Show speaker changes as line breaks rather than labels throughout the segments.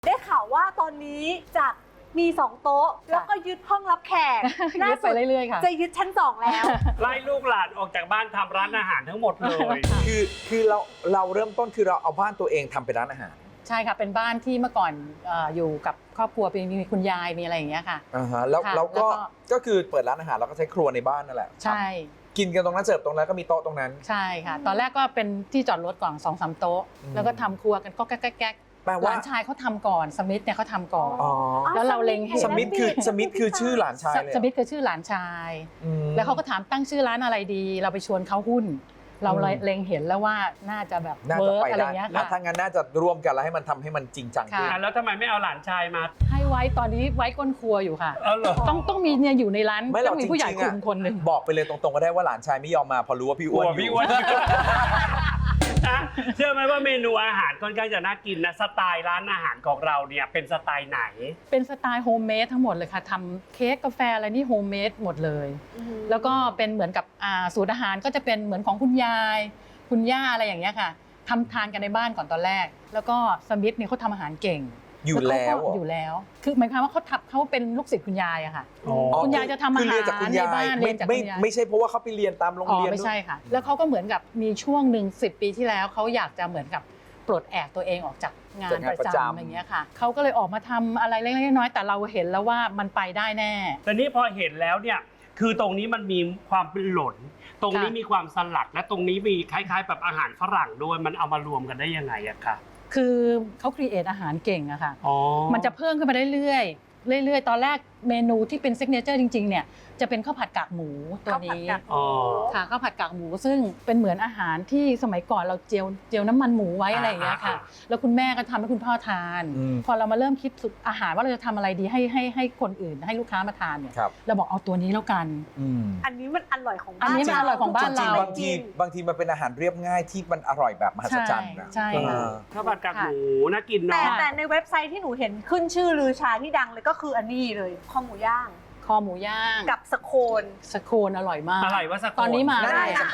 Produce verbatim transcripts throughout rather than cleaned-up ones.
ได้ข่าวว่าตอนนี้จากมีสองโต๊ะแล้วก็ยึดห้องรับแขก
ยึดไปเรื่อยๆค่ะ
จะยึดชั้นสองแล้ว
ไล่ลูกหลานออกจากบ้านทำร้านอาหารทั้งหมดเลย
คือคือเราเราเริ่มต้นคือเราเอาบ้านตัวเองทำเป็นร้านอาหาร
ใช่ค่ะเป็นบ้านที่เมื่อก่อนเอ่ออยู่กับครอบครัวมีมีคุณยายมีอะไรอย่างเงี้ยค่ะ
อ่าฮะแล้ว
ค่ะ
แล้วก็
แล้วก็
ก็คือเปิดร้านอาหารเราก็ใช้ครัวในบ้านนั่นแหละ
ใช่
กินกันตรงนั้นเสิร์ฟตรงนั้นก็มีโต๊ะตรงนั้น
ใช่ค่ะ ตอนแรกก็เป็นที่จอดรถก่อนสองสามโต๊ะ
อืม
แล้วก็ทำครัวกันก็แก๊กแก๊กแก๊ก
แปล
ห
ว่า
ลานชายเขาทำก่อนสมิธเนี่ยเขาทำก่อน
อ๋อ
แล้วเราเล็งเห็น
สมิธคือสมิธคือชื่อหลานชายเลย
สมิธคือชื่อหลานชาย
อืม
แล้วเขาก็ถามตั้งชื่อร้านอะไรดี เราไปชวนเขาหุ้น เราเลย
อืม
เล็งเห็นแล้วว่าน่าจะแบบ
น่า
เวิ
จะ
ร์ก
ไป
อะไร
ได้
เงี้ย
แล้ว
ค่ะ
ถ้างั้นน่าจะร่วมกันแล้วให้มันทำให้มันจริงจังขึ้น
ค่ะ
แล้วทำไมไม่เอาหลานชายมา
ให้ไว้ตอนนี้ไว้ก้นครัวอยู่ค่ะ
เออเหรอ
ต้องต้องมีเนี่ยอยู่ในร้าน
ไม่หรอก
ต้องมีผู้ใหญ่
จริงๆ
คุ
อะ
มคนหนึ่ง
บอกไปเลยตรงๆก็ได้ว่าหลานชายไม่ยอมมาพอรู้ว่าพี่
ก
อ้
ลั
วน
ว
อยู่
พี่อ้วนนะเชื่อไหมว่าเมนูอาหารค่อนข้างจะน่ากินนะสไตล์ร้านอาหารของเราเนี่ยเป็นสไตล์ไหน
เป็นสไตล์โฮมเมดทั้งหมดเลยค่ะทำเค้กกาแฟอะไรนี่โฮมเมดหมดเลย แล้วก็เป็นเหมือนกับอ่าสูตรอาหารก็จะเป็นเหมือนของคุณยาย คุณย่าอะไรอย่างเงี้ยค่ะทำทานกันในบ้านก่อนตอนแรก แล้วก็สมิธเนี่ยเขาทำอาหารเก่ง
อยู่
เขา
แล้ว
ก็อยู่แล้ว คือหมายความว่าเขาทำเขาเป็นลูกศิษย์คุณยายอะค่ะ
อ๋อ
คุณยายจะทำอา
คือ
หาร
เรียนจากคุณยาย
ในบ้าน
ไม่
เรียนจาก
ไม่
คุณยาย
ไม่ใช่เพราะว่าเขาไปเรียนตามโรง
อ๋อ
เรียน
ไม่ใช่ค่ะ แล้วเขาก็เหมือนกับมีช่วงหนึ่งสิบปีที่แล้วเขาอยากจะเหมือนกับปลดแอกตัวเองออกจากงานประจำอย่างเงี้ยค่ะเขาก็เลยออกมาทำอะไรเล็กๆน้อยๆแต่เราเห็นแล้วว่ามันไปได้แน่
แต่นี่พอเห็นแล้วเนี่ยคือตรงนี้มันมีความเป็นหล่นตรงนี้
ค่ะ
มีความสลัดและตรงนี้มีคล้ายๆแบบอาหารฝรั่งด้วยมันเอามารวมกันได้ยังไงอะคะ
คือเขาครีเอทอาหารเก่งอะค่ะ
อ๋อ
มันจะเพิ่มขึ้นมาเรื่อยๆเรื่อยๆ ตอนแรกเมนูที่เป็นซิกเนเจอร์จริงๆเนี่ยจะเป็นข้าวผัดกากหมูตัวนี้
อ๋อ
ค่ะข้าวผัดกากหมูซึ่งเป็นเหมือนอาหารที่สมัยก่อนเราเจียวเจียวน้ำมันหมูไว้อะไรอย่างเงี้ยค่ะ แล้วคุณแม่ก็ทำให้คุณพ่อทาน
อืม
พอเรามาเริ่มคิดสูตรอาหารว่าเราจะทำอะไรดีให้ให้ให้คนอื่นให้ลูกค้ามาทานเนี่ย
ครับ
เราบอกเอาตัวนี้แล้วกัน
อืม
อันนี้มันอร่อยของบ้าน
อันนี้มันอร่อยของบ้าน
จริง
เรา
ๆบางทีบางทีมันเป็นอาหารเรียบง่ายที่มันอร่อยแบบมหัศจรรย์นะ
ใช่ใช่
เออ
ข้าวผัดกากหมูน่ากิน
แต่
เนาะ
แต่ในเว็บไซต์ที่หนูเห็นขึ้นชื่อลือชาที่ดังเลยก็คืออันนี้เลยข้าวหมูย่าง
คอหมูย่าง
กับสโคน
สโคนอร่อยมาก
อะไรวะสโคน
ตอนนี้มา
นั่น
ได้
ไงส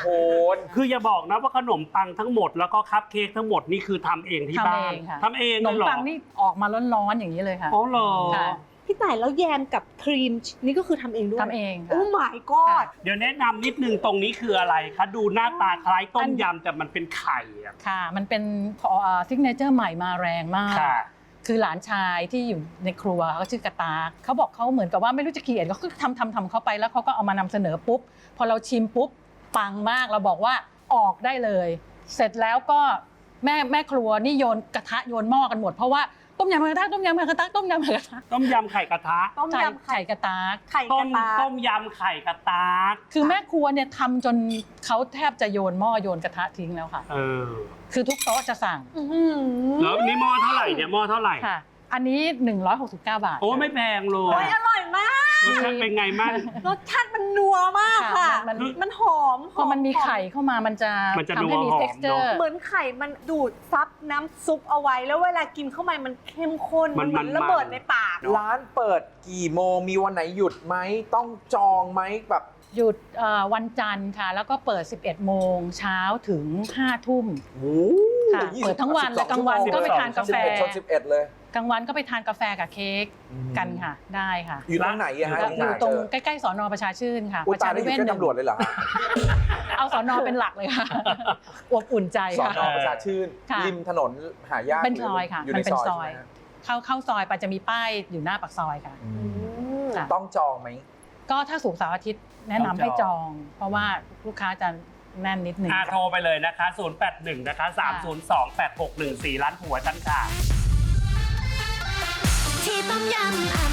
ค่ะ
โคน
คืออย่าบอกนะว่าขนมปังทั้งหมดแล้วก็คัพเค้กทั้งหมดนี่คือทำเองที่
ทำ
บ้า
เอน งค่ะ
ทำเอง
ขน
เลย
ม
เหรอ
ปังนี่ออกมาร้อนๆอย่างนี้เลยค่ะ
อ๋อเหรอ
ค่ะ
พี่ต่ายแล้วแยมกับครีมนี่ก็คือทำเองด้วย
ทำเองค่ะ
โอ้ my god
เดี๋ยวแนะนำนิดนึงตรงนี้คืออะไรคะดูหน้าตาคล้ายต้มยำแต่มันเป็นไข่อะ
ค่ะ มันเป็นซิกเนเจอร์ใหม่มาแรงมาก
ค่ะ
คือหลานชายที่อยู่ในครัวเขาชื่อกระตากเขาบอกเขาเหมือนกับว่าไม่รู้จะเขียนเขาก็ทำทำทำเขาไปแล้วเขาก็เอามานำเสนอปุ๊บ พอเราชิมปุ๊บ ปังมากเราบอกว่าออกได้เลย เสร็จแล้วก็แม่แม่ครัวนี่โยนกระทะโยนหม้อกันหมดเพราะว่าต้มยำกระทะต้มยำกระทะต้มยำกระทะ
ต้มยำไข่กระทะ
ต้ม
ไข่
ยำไข่
ไข่กระตาก
ไข่ก
ต้
ระ
ม
ตา
ต้มยำไข่กระตาก
คือแม่ครัวเนี่ยทำจนเขาแทบจะโยนหม้อโยนกระทะทิ้งแล้วค่ะ
เออ
คือทุกโต๊ะจะสั่ง
อื้อหือ
แล้วนี่หม้อเท่าไหร่เนี่ยหม้อเท่าไหร่
ค่ะ อันนี้หนึ่งร้อยหกสิบเก้าบาท
โอ้ไม่แพงเล
โอ้
ย
ยอร่อยมาก
รสชาติเป็นไงมั่ง
รสชาติมันนัวมากค่ะ
มันมัน
มันหอม
พอมันมีไข่เข้ามามันจะ
มันจะ
ทำให้มี
นัวหอม
texture
เหมือนไข่มันดูดซับน้ำซุปเอาไว้ แล้วเวลากินเข้าไปมันเข้มข้น
มัน
เหมือน
มัน
ระเบิดในปาก
ร้านเปิดกี่โมงมีวันไหนหยุดไหมต้องจองไหมแบบ
หยุดเอ่อวันจันทร์ค่ะ แล้วก็เปิด สิบเอ็ดโมงเช้าถึงห้าทุ่ม
โอ้
ค่ะเปิดทั้งวันเลยกลางวันก็ไปทานกาแฟ
สิบเอ็ดชนสิบเอ็ดเลย
กลางวันก็ไปทานกาแฟกับเค้กกันค่ะ ได้ค่ะ
อยู่ตรงไหนอะฮะ
แล้วอยู่
ที่หา
ตรง
เจอ
ใกล้ๆสอนอประชาชื่นค่ะ
อุย
ประ
ตา
ชาย
ได้อยู่
เวศ
ใกล้
หนึ่ง
ตำรวจเลยเหรอฮะ
เอาสอนอเป็นหลักเลยค่ะอบอุ่นใจ
สอน
ค่ะ
อประชาชื่น
ค่ะ
ริมถนนหายาก
เป็นซอยค่ะ
อยู่
มั
ใน
นเป็น
ซอย
ซอย
ใช่ไหมฮะ
เข้าเข้าซอยไปจะมีป้ายอยู่หน้าปากซอยค่ะ
อืม
ค่ะ
ต้องจองไหม
ก็ถ้าศุกร์เสาร์อาทิตย์แนะนำให้จอง เพราะว่าลูกค้าจะแน่นนิดนึง
อ่ะโทรไปเลยนะคะ ศูนย์ แปด หนึ่ง นะคะ สาม ศูนย์ สอง แปด หก หนึ่ง สี่ ร้านผัวฉันค่ะ
ที่ต้มยำอ